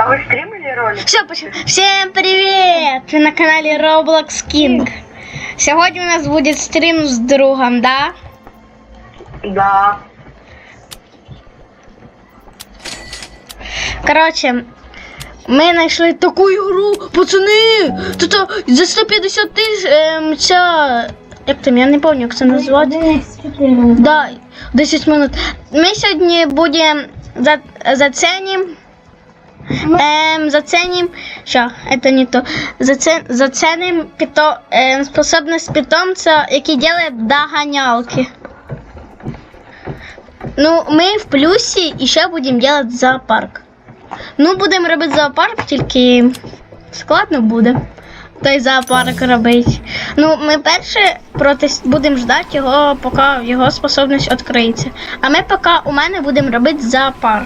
А вы стримили ролик? Все, всем привет! Вы на канале Roblox King. Сегодня у нас будет стрим с другом, да? Да. Короче, мы нашли такую игру, пацаны! Тут за 150 тысяч, ця... Як там, я не пам'ятаю, як це назвати. Да, 10 минут. Ми сьогодні будемо заценим, що, это не то, заценим способность питомца, який делает догонялки. Ну, ми в плюсі і ще будемо делать зоопарк. Ну, будемо робити зоопарк, тільки складно буде той зоопарк робити. Ну, ми перше будемо ждати його, поки його способність відкриється. А ми поки у мене будемо робити зоопарк.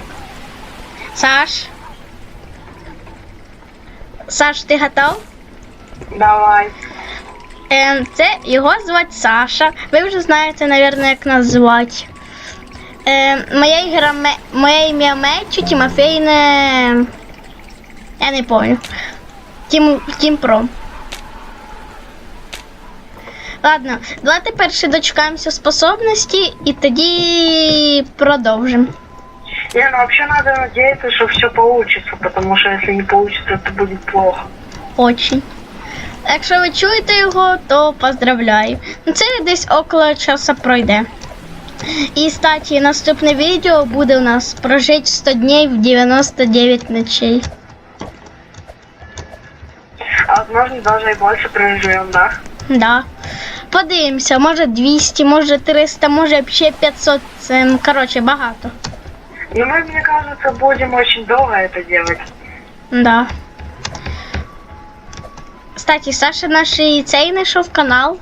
Саш, ти готов? Давай. Це його звати Саша. Ви вже знаєте, мабуть, як нас звати. Моє ім'я Мечу, Тимофей не... Я не пам'ятаю. Тім Про. Ладно, давайте перше дочекаємося способності і тоді продовжимо. Не, ну вообще надо надеяться, что все получится, потому что если не получится, то будет плохо. Очень. Якщо ви чуєте його, то поздравляю. Ну, це десь около часу пройде. І, кстати, наступне відео буде у нас прожити 100 днів в 99 ночей. А возможно, даже и больше проживем, да? Да. Подивимося, може 200, може 300, може ще 500. Це, коротше, багато. Ну, мы, мне кажется, будем очень долго это делать. Да. Кстати, Саша наш цей знайшов канал.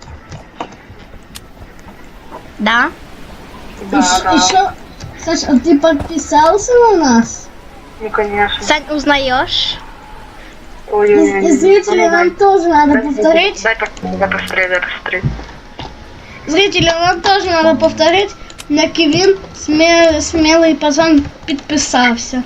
Да. Да, да. Еще, Саш, а ты подписался на нас? Ну, конечно. Сань, узнаешь? Ой-ой-ой. И зрителям нам тоже надо повторить. Дай посмотреть. Зрителям нам тоже надо повторить. На Кевин смелый пацан подписался.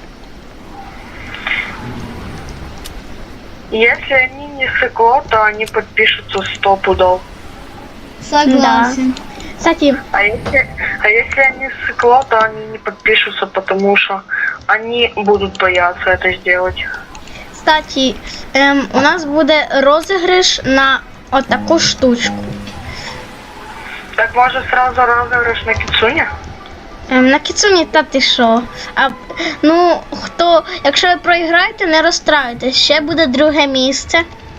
Если они не сыкло, то они подпишутся 100 пудов. Согласен. Кстати, А если они сыкло, то они не подпишутся, потому что они будут бояться это сделать. кстати, у нас буде розіграш на отаку штучку. Так может сразу розыгрыш на Кицуне? На Кіцуні, та ти що? Ну, якщо ви проіграєте, не розстраюйтесь. Ще буде друге місце.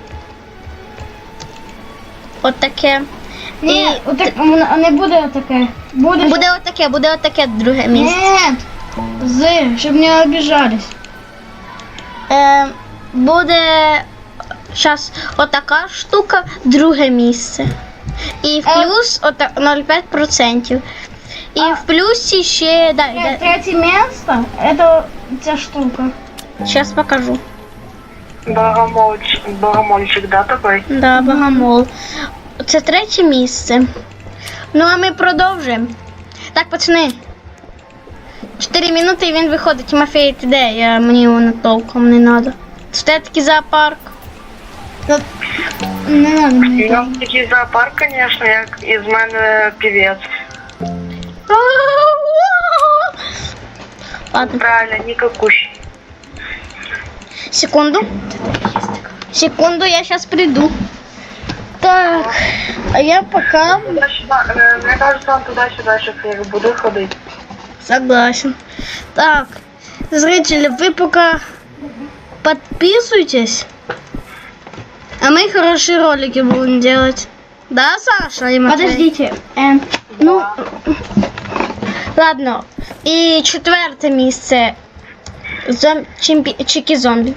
От таке. Ні, не буде таке. Буде отаке друге місце. Нет, щоб не обижались. Буде зараз отака штука, друге місце. І в плюс 0,5%. І в плюсі ще... Третье место, это ця штука. Сейчас покажу. Богомольчик, да, такой? Да, богомол. Це третє місце. Ну, а ми продовжуємо. Так, пацани. 4 минути і він виходить. Тимофей, ти де? Мені його толком не треба. Це такий зоопарк. Не надо мені. Я такий зоопарк, конечно, як із мене певець. Ладно. Правильно, никакущий. Секунду, я сейчас приду. Так, а я пока... Туда-сюда, мне кажется, он туда-сюда сейчас я буду ходить. Согласен. Так, зрители, вы пока подписывайтесь, а мы хорошие ролики будем делать. Да, Саша? И Матвей? Подождите. Ну, ладно. І четверте місце. Чики-зомбі.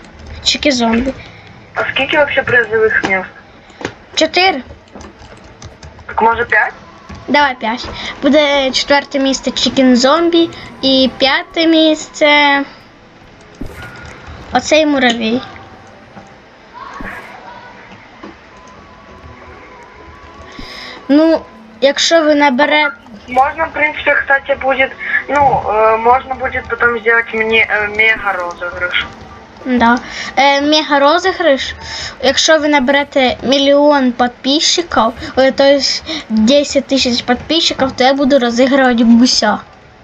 А скільки вообще призовых мест? 4. Так может 5? Давай 5. Буде четверте місце Чікен-зомбі і п'яте місце оцей муравей. Ну, якщо ви наберете... Можно, в принципе, кстати, будет, можно будет потом сделать мне мега розыгрыш. Да. Мега розіграш. Якщо ви наберете 1 мільйон підписчиків, тобто 10 тисяч підписчиків, то я буду розігрувати гуся.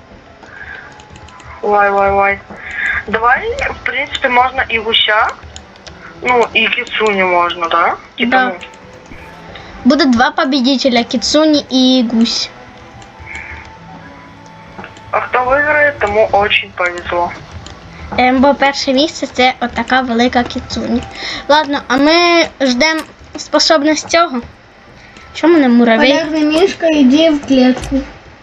Вай. Давай, в принципе, можно и гуся, ну, и кицуню можно, да? Типа, Да. ну, Буде 2 победителя, Кіцуні і гусь. а кто выиграет, тому очень повезло. Бо перше місце це отака велика Кіцуні. Ладно, а ми ждемо способність цього. Що мене муравей? Полярный мишка, иди в клетку.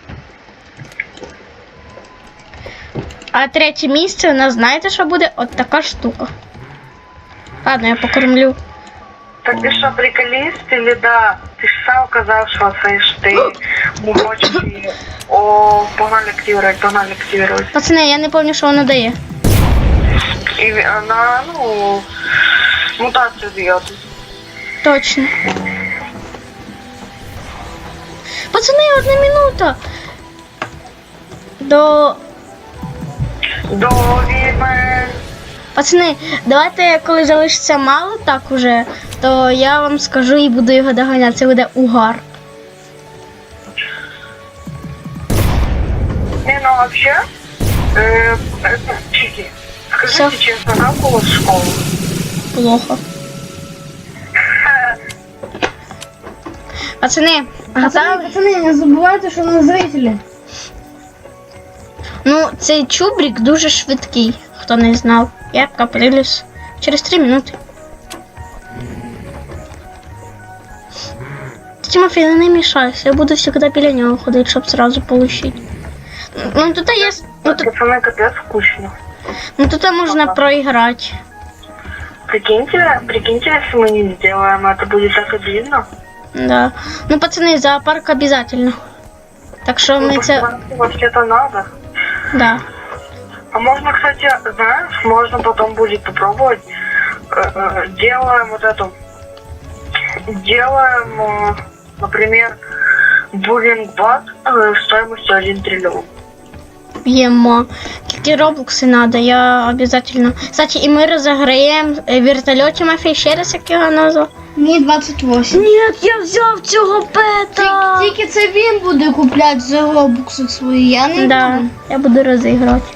А третє місце у нас знаєте, що буде? От така штука. Ладно, я покормлю. Так ты что, приколист или да? Ты ж сам сказал, что ты хочешь и... О, погнали активировать. Пацани, я не пам'ятаю, що воно дає. И она, ну, мутацию дает. Точно. Пацани, 1 минута. До... До ведьмы. Пацани, давайте, коли залишиться мало так уже, то я вам скажу і буду його доганяти. Це буде угар. Не, ну вообще, чики, скажите Всё. честно, как у вас школа? Плохо. Пацани, готові? Пацаны, не забывайте, что у нас зрители. Ну, цей чубрик дуже швидкий, хто не знав. Я каприлюсь через 3 минути. Тимофей, не мешайся, я буду всегда біля нього ходити, щоб сразу получить. Ну тут є. Пацаны, капец скучно. Ну тут можна проіграти. Прикиньте, если мы не сделаем, это будет так обидно. Да. Ну, пацани, зоопарк обязательно. Так що ми це. Вообще-то надо. Да. А можно, кстати, знаешь, можно потом будет попробовать. Делаем вот эту. Делаем, например, буллинг-бат стоимостью 1 триллион. П'ємо. Тільки роблокси надо, я обязательно. Кстати, і ми розіграємо вертольот Тимофей, ще раз як його назвав. Мне 28. Ні, я взяв цього пета. Тільки це він буде купляти за робокси свої, я не Да, буду. я буду розіграти.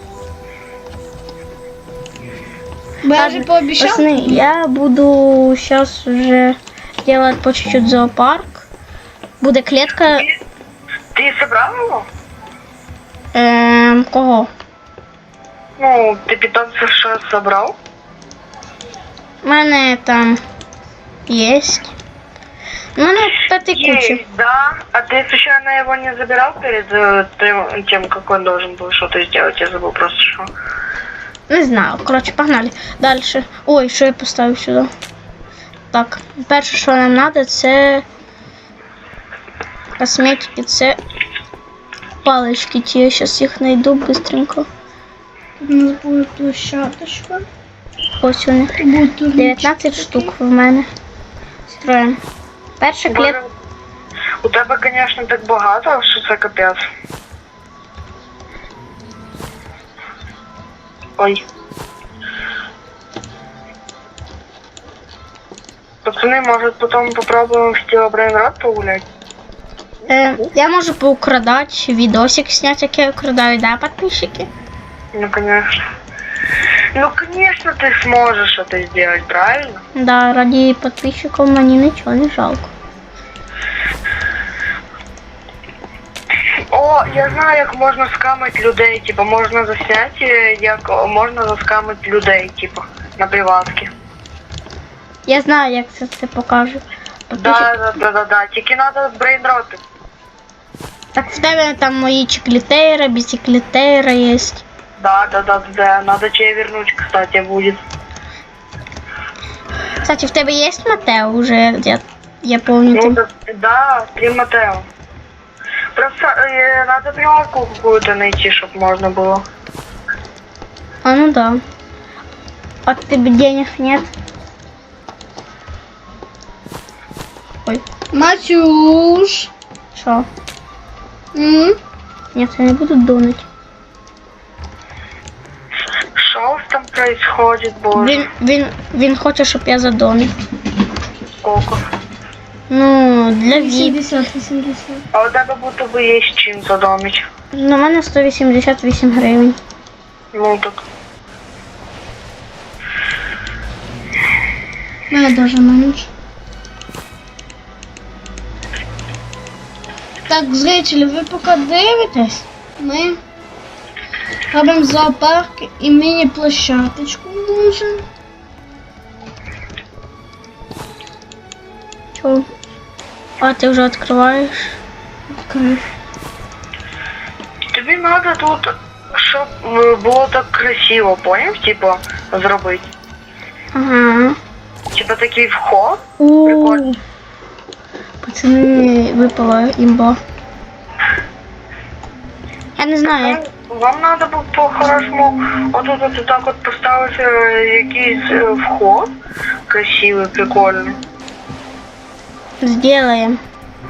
Бо я вже пообіцяв. Пацаны, я буду сейчас уже делать по чуть-чуть зоопарк. Буде клетка. Ты собрал его? Кого? Ну, ты питомцев что собрал? У мене там есть. У мене п'яти куча. Есть, да. А ты случайно его не забирал перед тем, как он должен был что-то сделать? Я забыл просто что. Не знаю. Коротше, погнали. Дальше. Ой, що я поставив сюди? Так, перше, що нам треба, це косметики, це палички ті. Я зараз їх знайду быстренько. У нас буде площадочка. Ось вони. Будуть тут 19 штук в мене. Строїмо. Перша клетка. У тебе, конечно, так багато, що це капець. Ой. Пацаны, может потом попробуем в Стила Брейнрод погулять? Я можу поукрадати, відосик зняти, як я украдаю, да, подписчики? Ну, конечно. Ну, конечно, ты сможешь это сделать, правильно? Да, ради подписчиков мені нічого не жалко. О, я знаю, як можна скамити людей, типа, можна засняти, як можна заскамити людей, типа, на приватки. Я знаю, як це покажу. Да, тільки треба брейнроти. Так в тебе там мої чеклітейра, бісіклітейра є. Да, надо тебе вернуть, кстати, будет. Кстати, в тебе є Матео уже, я помню. Ну, да, 3 Матео. Просто надо приватку какую-то найти, чтобы можно было. А ну да. А тебе денег нет? Ой, Матюш. що? Нет, я не буду донать. Шо там? происходит, боже? Він хоче, щоб я задонив. Сколько? Ну, для віп. 80. А у тебе будто би є з чим задомить. На мене 188 гривень. Ну так. Мене даже менше. Так, зрителі, ви поки дивитесь, ми робимо зоопарк і міні-площадочку дуже. Чого? А, ти вже відкриваєш? Відкрив. Тобі треба тут, щоб було так красиво, поняв? Типа, зробити. Ага. Типа такий вход. У. Прикольно. Пацани, випала імба. Я не знаю, як... Вам треба було по-хорошому отут так от поставити якийсь вход красивий, прикольний. Сделаем.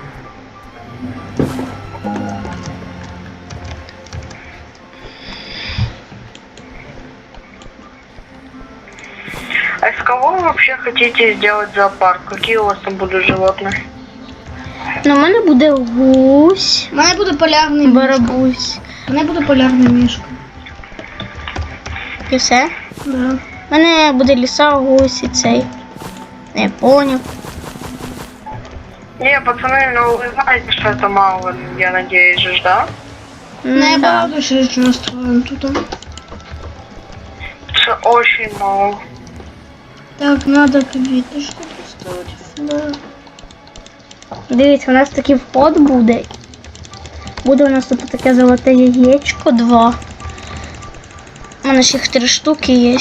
А из кого вы вообще хотите сделать зоопарк? Какие у вас там будут животные? Ну, в мене буде гусь, У мене буде полярний мішка. барабусь. У мене буде полярний мішка. І все. Да. В мене буде ліса, гусь і цей. Не понял. Не, пацаны, ну вы знаете, что это мало, я надеюсь же, да? Не Да. багато ще що настроєм тут. Это очень мало. Так, надо квіточку поставити. Да. Дивіться, у нас такий вход буде. Буде у нас тут таке золоте яєчко, 2. У мене ще їх 3 штуки є.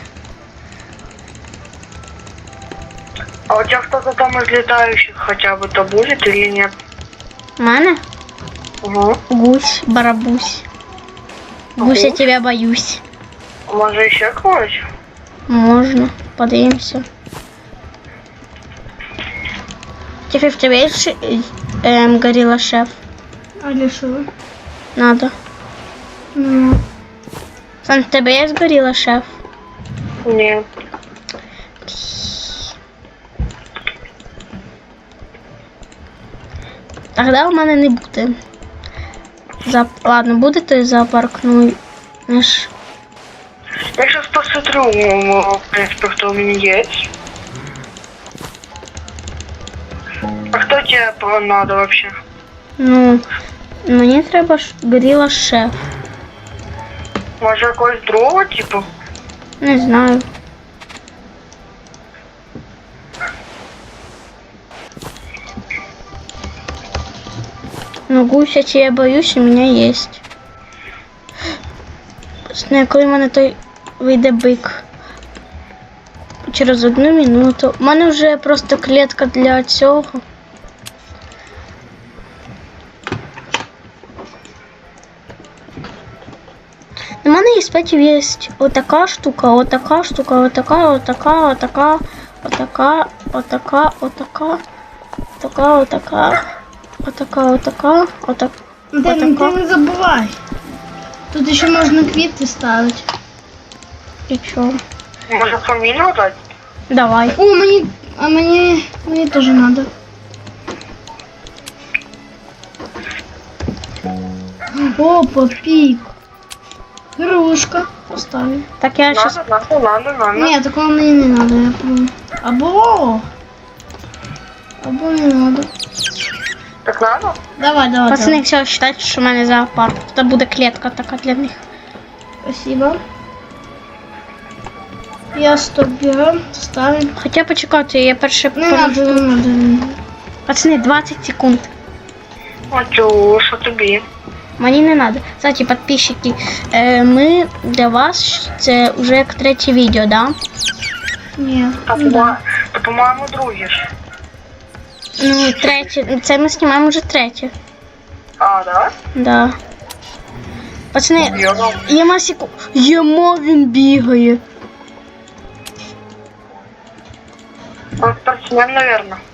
А у тебя кто-то там из летающих хотя бы то будет или нет? У мене Угу. гусь, барабусь. Гусь, я Гусь? тебя боюсь. Может еще кого-нибудь? Можно. Подивимося. Тефи, в тебе есть горилла шеф? А для що? Надо. Ну, Сан, в тебе есть горилла шеф? Нет. Тогда у мене не буде. Ладно, буде той зоопарк, ну знаєш. Я сейчас посмотрю, в принципе, кто у меня есть. А кто тебе надо вообще? Ну, мені треба горилла шеф. Может, якогось другого типа? Не знаю. Ну, гуся, я боюсь, у меня есть. Коли в мене той вийде бик. Через 1 минуту. У мене вже просто клітка для цього. У мене із петів є отака штука, отака штука, отака, отака, отака, отака, отака, отака, отака, отака, отака, отака, отака. ти не забувай. Тут ще можна квіти ставити. І чого? Может, фамилию дать? Давай. О, мені теж надо. Опа, пік. Грушка. Поставлю. Так я сейчас... Надо. Ні, такого мені не надо, я помню. Або не надо. Так надо? Давай. Пацаны, все, считайте, що в мене зоопарк. Це буде клітка така для них. Спасибо. Я стоп берем, ставим. Хоча почекайте, я перше... Не надо. Пацани, 20 секунд. Матюша, тобі. Мені не надо. Кстати, підписчики, ми для вас це вже як 3-е відео, да? Ні. Та, по-моєму, друге ж. Ну, 3-е. Це ми знімаємо вже 3-е. А, да? Да. Пацани, Йо. Єма секунду. Єма, він бігає. Он спортсмен, наверное.